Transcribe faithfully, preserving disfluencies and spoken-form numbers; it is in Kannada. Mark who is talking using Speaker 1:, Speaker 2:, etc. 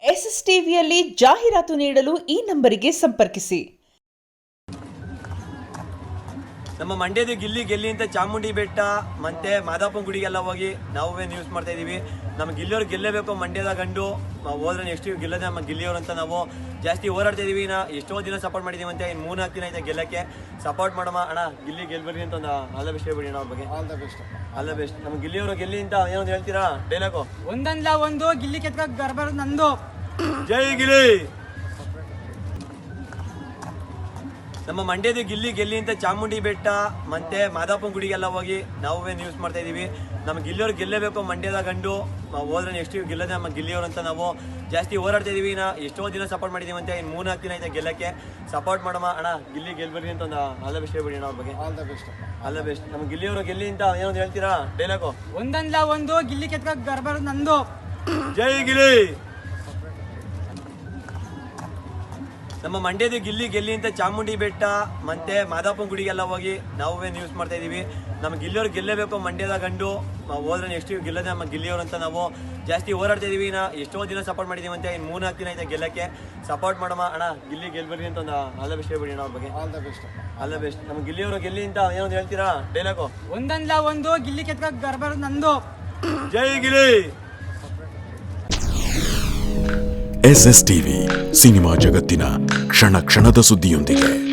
Speaker 1: ಎಸ್ ಎಸ್ ಟಿವಿಯಲ್ಲಿ ಜಾಹೀರಾತು ನೀಡಲು ಈ ನಂಬರಿಗೆ ಸಂಪರ್ಕಿಸಿ.
Speaker 2: ನಮ್ಮ ಮಂಡ್ಯದ ಗಿಲ್ಲಿ ಗೆಲ್ಲಿ ಅಂತ ಚಾಮುಂಡಿ ಬೆಟ್ಟ ಮತ್ತೆ ಮಾದಾಪುರ ಗುಡಿಗೆಲ್ಲ ಹೋಗಿ ನಾವೇ ನ್ಯೂಸ್ ಮಾಡ್ತಾ ಇದೀವಿ. ನಮ್ಮ ಗಿಲ್ಲಿಯವ್ರು ಗೆಲ್ಲಬೇಕು, ಮಂಡ್ಯದ ಗಂಡು ಹೋದ್ರೆ ನೆಕ್ಸ್ಟ್ ಗೆಲ್ಲದೆ ನಮ್ಮ ಗಿಲ್ಲಿಯವ್ರು ಅಂತ ನಾವು ಜಾಸ್ತಿ ಹೋರಾಡ್ತಾ ಇದೀವಿ. ನಾ ಎಷ್ಟೋ ದಿನ ಸಪೋರ್ಟ್ ಮಾಡಿದೀವಿ ಅಂತ ಇನ್ನು ಮೂರ್ನಾಲ್ಕು ದಿನ ಐತೆ ಗೆಲ್ಲಕ್ಕೆ. ಸಪೋರ್ಟ್ ಮಾಡಮ್ಮ ಅಣ್ಣ, ಗಿಲ್ಲಿ ಗೆಲ್ಬರಿ ಅಂತ ಒಂದು ಆಲ್ ದ ಬೆಸ್ಟ್ ಹೇಳ್ಬಿಡಿ ಅಣ್ಣ. ಅವ್ರ ಬಗ್ಗೆ
Speaker 3: all the best
Speaker 2: all the best. ನಮ್ಮ ಗಿಲ್ಲಿಯವರು ಗೆಲ್ಲಿ ಅಂತ ಏನೊಂದು ಹೇಳ್ತೀರಾ ಡೈಲಾಗು?
Speaker 4: ಒಂದಲ್ಲ ಒಂದು ಗಿಲ್ಲಿ ಕೆತ್ತ ಗರ್ಭ ನಂದು.
Speaker 2: ಜೈ ಗಿಲ್ಲಿ. ನಮ್ಮ ಮಂಡ್ಯದ ಗಿಲ್ಲಿ ಗೆಲ್ಲಿ ಅಂತ ಚಾಮುಂಡಿ ಬೆಟ್ಟ ಮತ್ತೆ ಮಾದಾಪುರ ಗುಡಿಗೆಲ್ಲ ಹೋಗಿ ನಾವೇ ನ್ಯೂಸ್ ಮಾಡ್ತಾ ಇದೀವಿ. ನಮ್ಮ ಗಿಲ್ಲಿಯವ್ರು ಗೆಲ್ಲಬೇಕು, ಮಂಡ್ಯದ ಗಂಡು ಹೋದ್ರೆ ನೆಕ್ಸ್ಟ್ ಗೆಲ್ಲದೆ ನಮ್ಮ ಗಿಲ್ಲಿಯವ್ರು ಅಂತ ನಾವು ಜಾಸ್ತಿ ಹೋರಾಡ್ತಾ ಇದೀವಿ. ನಾ ಎಷ್ಟೋ ದಿನ ಸಪೋರ್ಟ್ ಮಾಡಿದೀವಿ ಅಂತ ಇನ್ನು ಮೂರ್ನಾಲ್ಕು ದಿನ ಐತೆ ಗೆಲ್ಲಕ್ಕೆ. ಸಪೋರ್ಟ್ ಮಾಡಮ್ಮ ಅಣ್ಣ, ಗಿಲ್ಲಿ ಗೆಲ್ಬರಿ ಅಂತ ಒಂದು ಆಲ್ ದ ಬೆಸ್ಟ್ ಹೇಳ್ಬಿಡಿ ಅಣ್ಣ. ಅವ್ರ ಬಗ್ಗೆ
Speaker 3: all the best
Speaker 2: all the best. ನಮ್ಮ ಗಿಲ್ಲಿಯವರು ಗೆಲ್ಲಿ ಅಂತ ಏನೊಂದು ಹೇಳ್ತೀರಾ ಡೈಲಾಗು?
Speaker 4: ಒಂದಲ್ಲ ಒಂದು ಗಿಲ್ಲಿ ಕೆತ್ತ ಗರ್ಭ ನಂದು.
Speaker 2: ಜೈ ಗಿಲ್ಲಿ. ನಮ್ಮ ಮಂಡ್ಯದ ಗಿಲ್ಲಿ ಗೆಲ್ಲಿ ಅಂತ ಚಾಮುಂಡಿ ಬೆಟ್ಟ ಮತ್ತೆ ಮಾದಾಪುರ ಗುಡಿಗೆಲ್ಲ ಹೋಗಿ ನಾವೇ ನ್ಯೂಸ್ ಮಾಡ್ತಾ ಇದೀವಿ. ನಮ್ಮ ಗಿಲ್ಲಿಯವ್ರು ಗೆಲ್ಲಬೇಕು, ಮಂಡ್ಯದ ಗಂಡು ಹೋದ್ರೆ ನೆಕ್ಸ್ಟ್ ಗೆಲ್ಲದೆ ನಮ್ಮ ಗಿಲ್ಲಿಯವ್ರು ಅಂತ ನಾವು ಜಾಸ್ತಿ ಹೋರಾಡ್ತಾ ಇದೀವಿ. ನಾ ಎಷ್ಟೋ ದಿನ ಸಪೋರ್ಟ್ ಮಾಡಿದೀವಿ ಅಂತ ಇನ್ನು ಮೂರ್ನಾಲ್ಕು ದಿನ ಐತೆ ಗೆಲ್ಲಕ್ಕೆ. ಸಪೋರ್ಟ್ ಮಾಡಮ್ಮ ಅಣ್ಣ, ಗಿಲ್ಲಿ ಗೆಲ್ಬರಿ ಅಂತ ಒಂದು ಆಲ್ ದ ಬೆಸ್ಟ್ ಹೇಳ್ಬಿಡಿ ಅಣ್ಣ. ಅವ್ರ ಬಗ್ಗೆ
Speaker 3: all the best
Speaker 2: all the best. ನಮ್ಮ ಗಿಲ್ಲಿಯವರು ಗೆಲ್ಲಿ ಅಂತ ಏನೊಂದು ಹೇಳ್ತೀರಾ ಡೈಲಾಗು?
Speaker 4: ಒಂದಲ್ಲ ಒಂದು ಗಿಲ್ಲಿ ಕೆತ್ತ ಗರ್ಭ ನಂದು.
Speaker 2: ಜೈ Gilli.
Speaker 5: S S TV cinema ಜಗತ್ತಿನ ಕ್ಷಣ ಕ್ಷಣದ ಸುದ್ದಿಯೊಂದಿಗೆ.